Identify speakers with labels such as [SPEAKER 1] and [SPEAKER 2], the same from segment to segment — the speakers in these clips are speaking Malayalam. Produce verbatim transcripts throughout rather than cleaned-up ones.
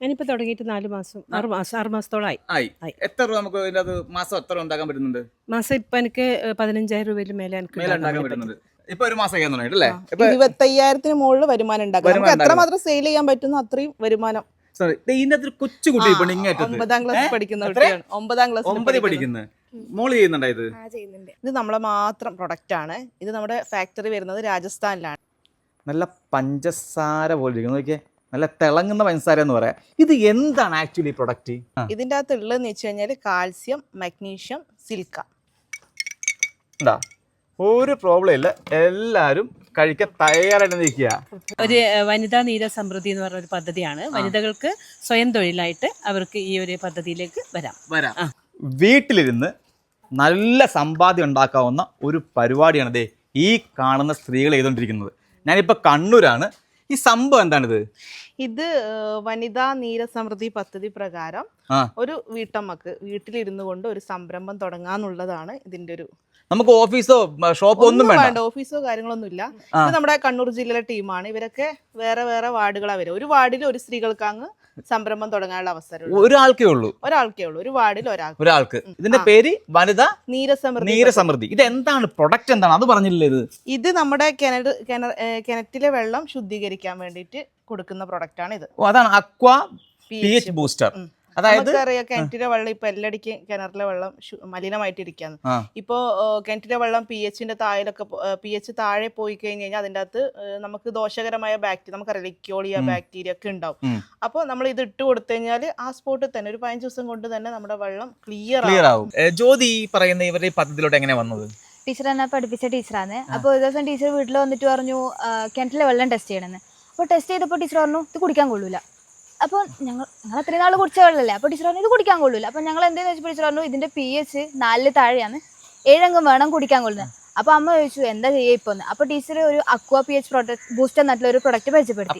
[SPEAKER 1] ഞാനിപ്പോൾ തുടങ്ങിയിട്ട് നാല് മാസം ആറ് മാസം ആറ് മാസത്തോളമായി.
[SPEAKER 2] ആയി. എത്ര രൂപ നമുക്ക് ഇതിനകത്ത് മാസം എത്ര ഉണ്ടാക്കാൻ പറ്റുന്നുണ്ട്?
[SPEAKER 1] മാസം ഇപ്പം എനിക്ക് പതിനഞ്ചായിരം രൂപയിൽ മേലെ എനിക്ക്
[SPEAKER 2] മേലെ ഉണ്ടാക്കാൻ പറ്റുന്നുണ്ട്. ഇപ്പൊ ഒരു മാസം കഴിയാൻ തുടങ്ങിയിട്ടല്ലേ?
[SPEAKER 3] ഇരുപത്തയ്യായിരത്തിന് മുകളിൽ വരുമാനം ഉണ്ടാക്കാം. നമുക്ക് എത്രമാത്രം സെയിൽ ചെയ്യാൻ പറ്റുന്നു അത്രയും വരുമാനം.
[SPEAKER 2] ഇതിന്റെ അകത്ത് കൊച്ചു കുട്ടി
[SPEAKER 3] ഒമ്പതാം ക്ലാസ് പഠിക്കുന്ന കുട്ടിയാണ്. ഒമ്പതാം ക്ലാസ്
[SPEAKER 2] ഒമ്പതിൽ പഠിക്കുന്നത് മോള് ചെയ്യുന്നുണ്ടോ ഇത്?
[SPEAKER 3] ഇത് നമ്മളെ മാത്രം പ്രൊഡക്റ്റ് ആണ്. ഇത് നമ്മുടെ ഫാക്ടറി വരുന്നത് രാജസ്ഥാനിലാണ്.
[SPEAKER 2] നല്ല പഞ്ചസാര പോലെ ഇരിക്കുന്നു. നോക്കിയേ, നല്ല തിളങ്ങുന്ന പഞ്ചസാര എന്ന് പറയാം. ഇത് എന്താണ് ആക്ച്വലി പ്രൊഡക്റ്റ്?
[SPEAKER 3] ഇതിൻ്റെ അകത്ത് ഉള്ളതെന്ന് വെച്ച് കഴിഞ്ഞാൽ കാൽസ്യം, മഗ്നീഷ്യം, സിലിക്ക.
[SPEAKER 2] എന്താ ഒരു പ്രോബ്ലം ഇല്ല, എല്ലാവരും കഴിക്കാൻ തയ്യാറായിട്ട് നിൽക്കുക.
[SPEAKER 1] ഒരു വനിതാ നീര സമൃദ്ധി എന്ന് പറഞ്ഞ ഒരു പദ്ധതിയാണ്. വനിതകൾക്ക് സ്വയം തൊഴിലായിട്ട് അവർക്ക് ഈ ഒരു പദ്ധതിയിലേക്ക് വരാം
[SPEAKER 2] വരാം വീട്ടിലിരുന്ന് നല്ല സമ്പാദ്യം ഉണ്ടാക്കാവുന്ന ഒരു പരിപാടിയാണ് ദേ ഈ കാണുന്ന സ്ത്രീകൾ ചെയ്തുകൊണ്ടിരിക്കുന്നത്. ഞാനിപ്പോൾ കണ്ണൂരാണ്. ഈ സംഭവം എന്താണിത്?
[SPEAKER 3] ഇത് വനിതാ നീരസമൃദ്ധി പദ്ധതി പ്രകാരം ഒരു വീട്ടമ്മക്ക് വീട്ടിലിരുന്നു കൊണ്ട് ഒരു സംരംഭം തുടങ്ങാന്നുള്ളതാണ് ഇതിന്റെ ഒരു.
[SPEAKER 2] നമുക്ക് ഓഫീസോ ഷോപ്പോ ഒന്നും വേണ്ട,
[SPEAKER 3] ഓഫീസോ കാര്യങ്ങളൊന്നും ഇല്ല. ഇത് നമ്മുടെ കണ്ണൂർ ജില്ലയിലെ ടീമാണ്. ഇവരൊക്കെ വേറെ വേറെ വാർഡുകളാണ് വരും. ഒരു വാർഡിൽ ഒരു സ്ത്രീകൾക്ക് അങ്ങ് സംരംഭം തുടങ്ങാനുള്ള അവസരം
[SPEAKER 2] ഒരാൾക്കേ ഉള്ളൂ
[SPEAKER 3] ഒരാൾക്കേ ഉള്ളൂ ഒരു വാർഡിൽ ഒരാൾക്ക്
[SPEAKER 2] ഒരാൾക്ക് ഇതിന്റെ പേര് വനിതാ
[SPEAKER 3] നീരസമൃദ്ധി
[SPEAKER 2] നീരസമൃദ്ധി. ഇത് എന്താണ് പ്രൊഡക്റ്റ്, എന്താണ് അത് പറഞ്ഞില്ലേ? ഇത്
[SPEAKER 3] ഇത് നമ്മുടെ കിണർ കിണറ്റിലെ വെള്ളം ശുദ്ധീകരിക്കാൻ വേണ്ടിയിട്ട് കൊടുക്കുന്ന പ്രൊഡക്റ്റ് ആണ് ഇത്.
[SPEAKER 2] അതാണ് അക്വാ പി എച്ച് ബൂസ്റ്റർ. അതായത്
[SPEAKER 3] അറിയാം, കിണറ്റിലെ വെള്ളം ഇപ്പൊ എല്ലാടിക്കും കിണറിലെ വെള്ളം മലിനമായിട്ടിരിക്കാന്ന്. ഇപ്പോ കിണറ്റിലെ വെള്ളം പി എച്ചിന്റെ താഴെയൊക്കെ പി എച്ച് താഴെ പോയി കഴിഞ്ഞ് കഴിഞ്ഞാൽ അതിന്റെ അകത്ത് നമുക്ക് ദോഷകരമായ ബാക്ടീരിയ, നമുക്കറിയാം ലിക്കോളിയ ബാക്ടീരിയ ഒക്കെ ഉണ്ടാവും. അപ്പൊ നമ്മൾ ഇത് ഇട്ട് കൊടുത്തു കഴിഞ്ഞാൽ ആ സ്പോട്ടിൽ തന്നെ ഒരു പതിനഞ്ച് ദിവസം കൊണ്ട് തന്നെ നമ്മുടെ വെള്ളം ക്ലിയർ
[SPEAKER 2] ക്ലിയർ ആവും. ജ്യോതി പറയുന്ന ഇവരുടെ ഈ പദ്ധതിയിലോട്ട് എങ്ങനെ വന്നത്?
[SPEAKER 4] ടീച്ചർ എന്നെ പഠിപ്പിച്ച ടീച്ചറാണ്. അപ്പോൾ ഒരു ദിവസം ടീച്ചർ വീട്ടിൽ വന്നിട്ട് പറഞ്ഞു കിണറ്റിലെ വെള്ളം ടെസ്റ്റ് ചെയ്യണമെന്ന്. അപ്പോൾ ടെസ്റ്റ് ചെയ്തപ്പോൾ ടീച്ചർ പറഞ്ഞു ഇത് കുടിക്കാൻ കൊള്ളൂല. അപ്പോൾ ഞങ്ങൾ ഞങ്ങൾ അത്രയും നാൾ കുടിച്ച വെള്ളമല്ലേ. അപ്പോൾ ടീച്ചർ പറഞ്ഞു ഇത് കുടിക്കാൻ കൊള്ളൂല. അപ്പോൾ ഞങ്ങൾ എന്തെന്ന് വെച്ചപ്പോൾ ടീച്ചർ പറഞ്ഞു ഇതിന്റെ പി എച്ച് നാലില് താഴെയാണ്, ഏഴംഗം വേണം കുടിക്കാൻ കൊള്ളുന്നത്. അപ്പോൾ അമ്മ ചോദിച്ചു എന്താ ചെയ്യുക ഇപ്പോൾ. അപ്പോൾ ടീച്ചർ ഒരു aqua P H product booster എന്നിട്ടുള്ള ഒരു പ്രൊഡക്റ്റ് പരിചയപ്പെടുത്തി.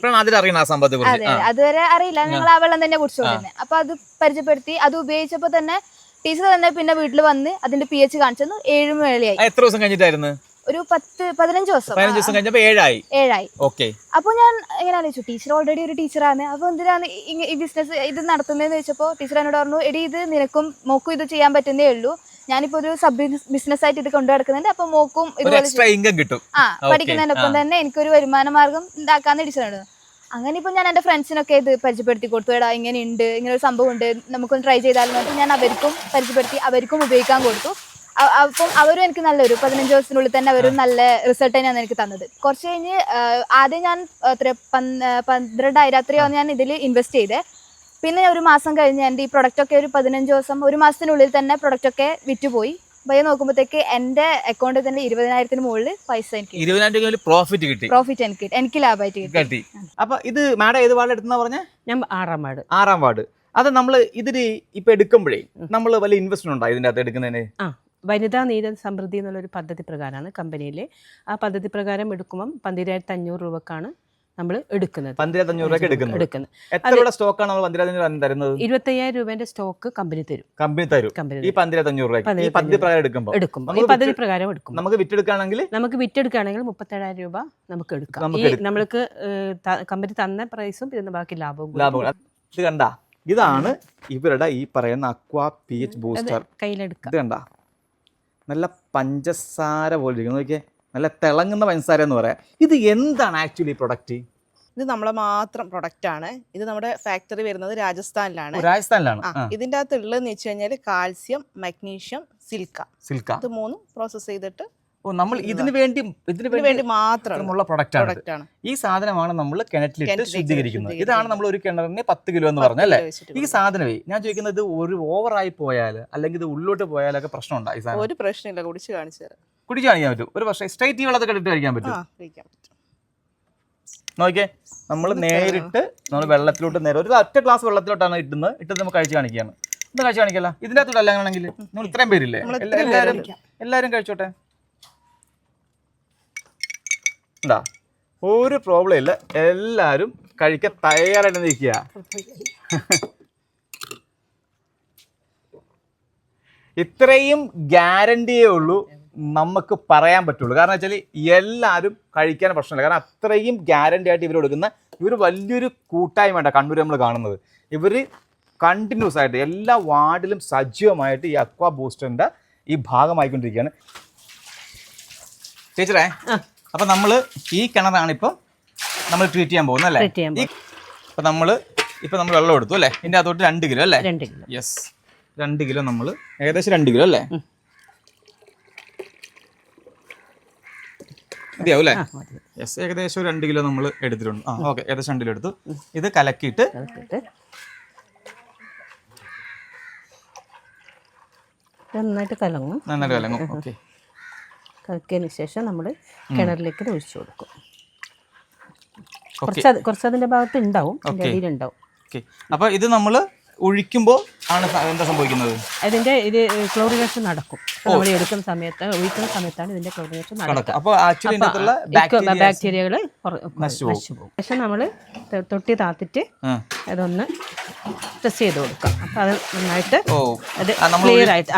[SPEAKER 4] അതെ, അതുവരെ അറിയില്ല, ഞങ്ങൾ ആ വെള്ളം തന്നെ കുടിച്ചുകൊണ്ടിരുന്നത്. അപ്പോൾ അത് പരിചയപ്പെടുത്തി. അത് ഉപയോഗിച്ചപ്പോൾ തന്നെ ടീച്ചർ തന്നെ പിന്നെ വീട്ടിൽ വന്ന് അതിന്റെ പി എച്ച് കാണിച്ചു. ഏഴ് മേളയായി.
[SPEAKER 2] എത്ര ദിവസം കഴിഞ്ഞിട്ടായിരുന്നു?
[SPEAKER 4] ഒരു പത്ത് പതിനഞ്ച് ദിവസം
[SPEAKER 2] പതിനഞ്ച് ദിവസം കഴിഞ്ഞപ്പോൾ ഏഴായി
[SPEAKER 4] ഏഴായി
[SPEAKER 2] ഓക്കെ.
[SPEAKER 4] അപ്പോൾ ഞാൻ എങ്ങനെ ആലോചിച്ചു, ടീച്ചർ ഓൾറെഡി ഒരു ടീച്ചറാണ്, അപ്പോൾ എന്തിനാണ് ഈ ബിസിനസ് ഇത് നടത്തുന്നതെന്ന് വെച്ചപ്പോൾ ടീച്ചർ എന്നോട് പറഞ്ഞു എടി ഇത് നിനക്കും മോക്കും ഇത് ചെയ്യാൻ പറ്റുന്നേ ഉള്ളൂ, ഞാനിപ്പോ ഒരു സബ് ബിസിനസ് ആയിട്ട് ഇത് കൊണ്ടു നടക്കുന്നുണ്ട്, അപ്പൊ മോക്കും
[SPEAKER 2] ഇതുപോലെ കിട്ടും.
[SPEAKER 4] ആ പഠിക്കുന്നതിന്റെ ഒപ്പം തന്നെ എനിക്കൊരു വരുമാന മാർഗം ഉണ്ടാക്കാന്ന് ടീച്ചറാണ്. അങ്ങനെ ഇപ്പൊ ഞാൻ എന്റെ ഫ്രണ്ട്സിനൊക്കെ ഇത് പരിചയപ്പെടുത്തി കൊടുത്തു. എടാ ഇങ്ങനെ ഉണ്ട്, ഇങ്ങനെ ഒരു സംഭവം ഉണ്ട്, നമുക്കൊന്ന് ട്രൈ ചെയ്താലും പറഞ്ഞിട്ട് ഞാൻ അവർക്കും പരിചയപ്പെടുത്തി, അവർക്കും ഉപയോഗിക്കാൻ കൊടുത്തു. അപ്പം അവരും എനിക്ക് നല്ലൊരു പതിനഞ്ച് ദിവസത്തിനുള്ളിൽ തന്നെ അവരും നല്ല റിസൾട്ട് തന്നെയാണ് എനിക്ക് തന്നത്. കുറച്ച് കഴിഞ്ഞ് ആദ്യം ഞാൻ എത്ര പന്ത്രണ്ടായിരം അത്രയാണ് ഞാൻ ഇതിൽ ഇൻവെസ്റ്റ് ചെയ്തേ. പിന്നെ ഒരു മാസം കഴിഞ്ഞ് എൻ്റെ ഈ പ്രൊഡക്റ്റൊക്കെ ഒരു പതിനഞ്ച് ദിവസം ഒരു മാസത്തിനുള്ളിൽ തന്നെ പ്രൊഡക്റ്റൊക്കെ വിറ്റുപോയി. പയ്യെ നോക്കുമ്പോഴത്തേക്ക് എൻ്റെ അക്കൗണ്ടിൽ തന്നെ ഇരുപതിനായിരത്തിന് മുകളിൽ പൈസ എനിക്ക്
[SPEAKER 2] പ്രോഫിറ്റ് കിട്ടി.
[SPEAKER 4] പ്രോഫിറ്റ് എനിക്ക് എനിക്ക് ലാഭമായിട്ട് കിട്ടി.
[SPEAKER 2] അപ്പൊ ഇത് മാഡം ഏത് വാർഡ് എടുത്തുന്ന പറഞ്ഞ?
[SPEAKER 1] ഞാൻ ആറാം വാർഡ്.
[SPEAKER 2] ആറാം വാർഡ്. അത് നമ്മൾ ഇതിന് ഇപ്പൊ എടുക്കുമ്പോഴേ നമ്മൾ വലിയ ഇൻവെസ്റ്റ്മെന്റ് ഉണ്ടോ ഇതിന്റെ അകത്ത് എടുക്കുന്നതിന്?
[SPEAKER 1] ആ വനിതാ നീര സമൃദ്ധി എന്നുള്ളൊരു പദ്ധതി പ്രകാരമാണ് കമ്പനിയിൽ. ആ പദ്ധതി പ്രകാരം എടുക്കുമ്പം പന്തിരായിരത്തി അഞ്ഞൂറ് രൂപക്കാണ് നമ്മൾ എടുക്കുന്നത്.
[SPEAKER 2] പന്തിരായിരത്തി അഞ്ഞൂറ് രൂപ എടുക്കുന്നത്. എത്ര സ്റ്റോക്കാണ് നമ്മൾ പന്തിരായിരത്തി അഞ്ഞൂറ് തരുന്നത്?
[SPEAKER 1] ഇരുപത്തയ്യായിരം രൂപേന്റെ സ്റ്റോക്ക് കമ്പനി തരും.
[SPEAKER 2] കമ്പനി തരും ഈ പന്തിരായിരത്തി അഞ്ഞൂറ് രൂപ ഈ പദ്ധതി പ്രകാരം എടുക്കുമ്പോൾ
[SPEAKER 1] എടുക്കും. ഈ പദ്ധതി പ്രകാരം എടുക്കും.
[SPEAKER 2] നമുക്ക് വിറ്റെടുക്കുകയാണെങ്കിൽ നമുക്ക്
[SPEAKER 1] വിറ്റെടുക്കുകയാണെങ്കിൽ മുപ്പത്തേഴായിരം രൂപ നമുക്ക് എടുക്കാം. ഈ നമ്മൾക്ക് കമ്പനി തന്ന പ്രൈസും ഇതിന് ബാക്കി ലാഭവും
[SPEAKER 2] ലാഭവും. ഇത് കണ്ട, ഇതാണ് ഇവരുടെ ഈ പറയുന്ന അക്വാ പി എച്ച് ബൂസ്റ്റർ.
[SPEAKER 1] കയ്യിലെടുക്കാം.
[SPEAKER 2] ഇത് കണ്ട, നല്ല പഞ്ചസാര പോലെ ഇരിക്കുന്നു. നോക്കിയേ, നല്ല തിളങ്ങുന്ന പഞ്ചസാര എന്ന് പറയാം. ഇത് എന്താണ് ആക്ച്വലി പ്രൊഡക്റ്റ്?
[SPEAKER 3] ഇത് നമ്മളെ മാത്രം പ്രൊഡക്റ്റ് ആണ്. ഇത് നമ്മുടെ ഫാക്ടറി വരുന്നത് രാജസ്ഥാനിലാണ്.
[SPEAKER 2] രാജസ്ഥാനിലാണ്.
[SPEAKER 3] ഇതിന്റെ അകത്ത് ഉള്ളതെന്ന് വെച്ച് കഴിഞ്ഞാൽ കാൽസ്യം, മഗ്നീഷ്യം, സിലിക്ക.
[SPEAKER 2] സിലിക്ക
[SPEAKER 3] ഇത് മൂന്നും പ്രോസസ് ചെയ്തിട്ട്
[SPEAKER 2] നമ്മൾ ഇതിനു വേണ്ടി ഇതിനു വേണ്ടി മാത്രമുള്ള പ്രൊഡക്റ്റ് ആണ്. ഈ സാധനമാണ് നമ്മൾ കിണറ്റിലിട്ട് ശുദ്ധീകരിക്കുന്നത്. ഇതാണ് നമ്മൾ ഒരു കിണറിന് പത്ത് കിലോ എന്ന് പറഞ്ഞല്ലേ ഈ സാധനമേ. ഞാൻ ചോദിക്കുന്നത് ഒരു ഓവറായി പോയാൽ അല്ലെങ്കിൽ ഇത് ഉള്ളോട്ട് പോയാലൊക്കെ പ്രശ്നം ഉണ്ടായി?
[SPEAKER 3] ഒരു പ്രശ്നമില്ല, കുടിച്ച് കാണിച്ചു തരാം.
[SPEAKER 2] കുടിച്ച് കാണിക്കാൻ പറ്റും. ഒരു പക്ഷേ സ്ട്രൈറ്റ് വെള്ളത്തിൽ ഇട്ട് കഴിക്കാൻ പറ്റും. നോക്കിയേ, നമ്മൾ നേരിട്ട് നമ്മൾ വെള്ളത്തിലോട്ട് നേരെ ഒരു ഒറ്റ ഗ്ലാസ് വെള്ളത്തിലോട്ടാണ് ഇട്ടുന്നത്. ഇട്ടത് നമുക്ക് കഴിച്ച് കാണിക്കുകയാണ്. ഇത് കഴിച്ച് കാണിക്കല്ല, ഇതിൻ്റെ അകത്തോട്ട് അങ്ങനെയാണെങ്കിൽ നമ്മൾ ഇത്രയും പേരില്ലേ, എല്ലാവരും എല്ലാവരും കഴിച്ചോട്ടെ. എന്താ ഒരു പ്രോബ്ലം ഇല്ല, എല്ലാവരും കഴിക്കാൻ തയ്യാറായിട്ട് നിൽക്കുക. ഇത്രയും ഗ്യാരണ്ടിയേ ഉള്ളൂ നമുക്ക് പറയാൻ പറ്റുള്ളൂ. കാരണം വെച്ചാൽ എല്ലാവരും കഴിക്കാൻ പ്രശ്നമില്ല. കാരണം അത്രയും ഗ്യാരണ്ടി ആയിട്ട് ഇവർ കൊടുക്കുന്ന ഇവർ വലിയൊരു കൂട്ടായ്മ കണ്ണൂർ നമ്മൾ കാണുന്നത്. ഇവർ കണ്ടിന്യൂസ് ആയിട്ട് എല്ലാ വാർഡിലും സജീവമായിട്ട് ഈ അക്വാ ബൂസ്റ്ററിൻ്റെ ഈ ഭാഗമായിക്കൊണ്ടിരിക്കുകയാണ്. ചേച്ചറേ, അപ്പം നമ്മൾ ഈ കിണറാണ് ഇപ്പം നമ്മൾ ട്രീറ്റ് ചെയ്യാൻ പോകുന്നത് അല്ലേ? അപ്പം നമ്മൾ ഇപ്പം നമ്മൾ വെള്ളം എടുത്തു അല്ലേ? ഇതിൻ്റെ അതോട്ട് രണ്ട് കിലോ അല്ലേ?
[SPEAKER 1] രണ്ട് കിലോ.
[SPEAKER 2] യെസ്, രണ്ട് കിലോ നമ്മൾ ഏകദേശം രണ്ട് കിലോ അല്ലേ? മതിയാവും അല്ലേ? യെസ്, ഏകദേശം ഒരു രണ്ട് കിലോ നമ്മൾ എടുത്തിട്ടുണ്ട്. ആ ഓക്കെ, ഏകദേശം രണ്ട് കിലോ എടുത്തു. ഇത് കലക്കിയിട്ട്
[SPEAKER 1] നന്നായിട്ട് കലങ്ങും.
[SPEAKER 2] നന്നായിട്ട് കലങ്ങും. ഓക്കെ,
[SPEAKER 1] കലക്കിയതിന് ശേഷം നമ്മൾ കിണറിലേക്ക് ഒഴിച്ചു കൊടുക്കും. കുറച്ച് കുറച്ച് അതിൻ്റെ ഭാഗത്ത് ഉണ്ടാവും, അതിൻ്റെ അടിയിലുണ്ടാവും.
[SPEAKER 2] ഓക്കെ, അപ്പോൾ ഇത് നമ്മൾ ഒഴിക്കുമ്പോൾ ആണ് എന്താ സംഭവിക്കുന്നത്?
[SPEAKER 1] അതിന്റെ ഇത് ക്ലോറിനേഷൻ നടക്കും. നമ്മൾ എടുക്കുന്ന സമയത്ത് ഒഴിക്കുന്ന സമയത്താണ് ഇതിന്റെ ക്ലോറിനേഷൻ നടക്കുക.
[SPEAKER 2] അപ്പോൾ ആക്ച്വലി
[SPEAKER 1] ബാക്ടീരിയകൾ നശിച്ചു പോകും. ശേഷം നമ്മൾ തൊട്ടി താത്തിട്ട് അതൊന്ന് ടെസ്റ്റ് ചെയ്ത് കൊടുക്കാം. അപ്പൊ അത് നന്നായിട്ട് അത് ക്ലിയർ ആയിട്ട്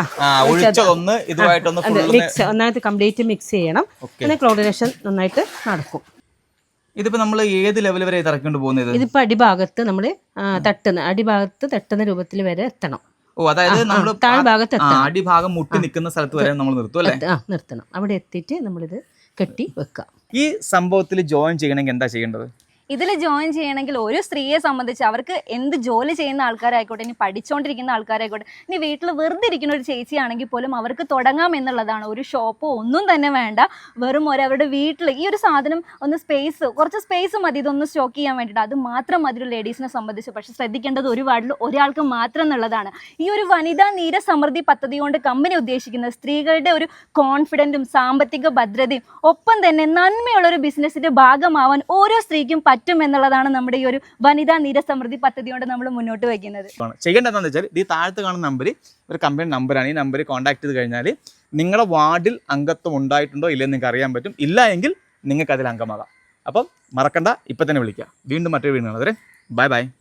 [SPEAKER 1] മിക്സ് ഒന്നായിട്ട് കംപ്ലീറ്റ് മിക്സ് ചെയ്യണം. പിന്നെ ക്ലോറിനേഷൻ നന്നായിട്ട് നടക്കും.
[SPEAKER 2] ഇതിപ്പോ നമ്മൾ ഏത് ലെവൽ വരെ ഇറക്കിക്കൊണ്ട് പോകുന്നത്?
[SPEAKER 1] ഇതിപ്പോ അടിഭാഗത്ത് നമ്മൾ തട്ടുന്ന അടിഭാഗത്ത് തട്ടുന്ന രൂപത്തിൽ വരെ എത്തണം.
[SPEAKER 2] ഓ, അതായത് നമ്മൾ
[SPEAKER 1] താഴ്ഭാഗത്ത്
[SPEAKER 2] അടിഭാഗം മുട്ടി നിൽക്കുന്ന സ്ഥലത്ത് വരെ നമ്മൾ നിർത്തും അല്ലേ?
[SPEAKER 1] ആ, നിർത്തണം. അവിടെ എത്തിയിട്ട് നമ്മളിത് കെട്ടി വെക്കാം.
[SPEAKER 2] ഈ സംഭവത്തിൽ ജോയിൻ ചെയ്യണമെങ്കിൽ എന്താ ചെയ്യേണ്ടത്?
[SPEAKER 5] ഇതിൽ ജോയിൻ ചെയ്യണമെങ്കിൽ ഒരു സ്ത്രീയെ സംബന്ധിച്ച് അവർക്ക് എന്ത് ജോലി ചെയ്യുന്ന ആൾക്കാരായിക്കോട്ടെ, ഇനി പഠിച്ചുകൊണ്ടിരിക്കുന്ന ആൾക്കാരായിക്കോട്ടെ, ഇനി വീട്ടിൽ വെറുതെ ഇരിക്കുന്ന ഒരു ചേച്ചിയാണെങ്കിൽ പോലും അവർക്ക് തുടങ്ങാം എന്നുള്ളതാണ്. ഒരു ഷോപ്പോ ഒന്നും തന്നെ വേണ്ട. വെറും ഒരു അവരുടെ വീട്ടിൽ ഈ ഒരു സാധനം ഒന്ന് സ്പേസ് കുറച്ച് സ്പേസ് മതി ഇതൊന്ന് സ്റ്റോക്ക് ചെയ്യാൻ വേണ്ടിയിട്ട്. അത് മാത്രം മതി ഒരു ലേഡീസിനെ സംബന്ധിച്ച്. പക്ഷെ ശ്രദ്ധിക്കേണ്ടത് ഒരു വാർഡിൽ ഒരാൾക്ക് മാത്രം എന്നുള്ളതാണ്. ഈ ഒരു വനിതാ നീര സമൃദ്ധി പദ്ധതി കൊണ്ട് കമ്പനി ഉദ്ദേശിക്കുന്നത് സ്ത്രീകളുടെ ഒരു കോൺഫിഡൻറ്റും സാമ്പത്തിക ഭദ്രതയും ഒപ്പം തന്നെ നന്മയുള്ള ഒരു ബിസിനസ്സിന്റെ ഭാഗമാവാൻ ഓരോ സ്ത്രീക്കും പറ്റും എന്നുള്ളതാണ് നമ്മുടെ ഈ ഒരു വനിതാ നീര സമൃദ്ധി പദ്ധതി കൊണ്ട് നമ്മൾ മുന്നോട്ട് വയ്ക്കുന്നത്.
[SPEAKER 2] ചെയ്യേണ്ടത് എന്താണെന്ന് വെച്ചാൽ ഈ താഴത്ത് കാണുന്ന നമ്പർ ഒരു കമ്പനി നമ്പറാണ്. ഈ നമ്പറിൽ കോൺടാക്ട് ചെയ്ത് കഴിഞ്ഞാൽ നിങ്ങളുടെ വാർഡിൽ അംഗത്വം ഉണ്ടായിട്ടുണ്ടോ ഇല്ലെന്ന് നിങ്ങൾക്ക് അറിയാൻ പറ്റും. ഇല്ല എങ്കിൽ നിങ്ങൾക്ക് അതിൽ അംഗമാകാം. അപ്പം മറക്കണ്ട, ഇപ്പം തന്നെ വിളിക്കുക. വീണ്ടും മറ്റൊരു വീണ്ടും കാണാം. Bye by.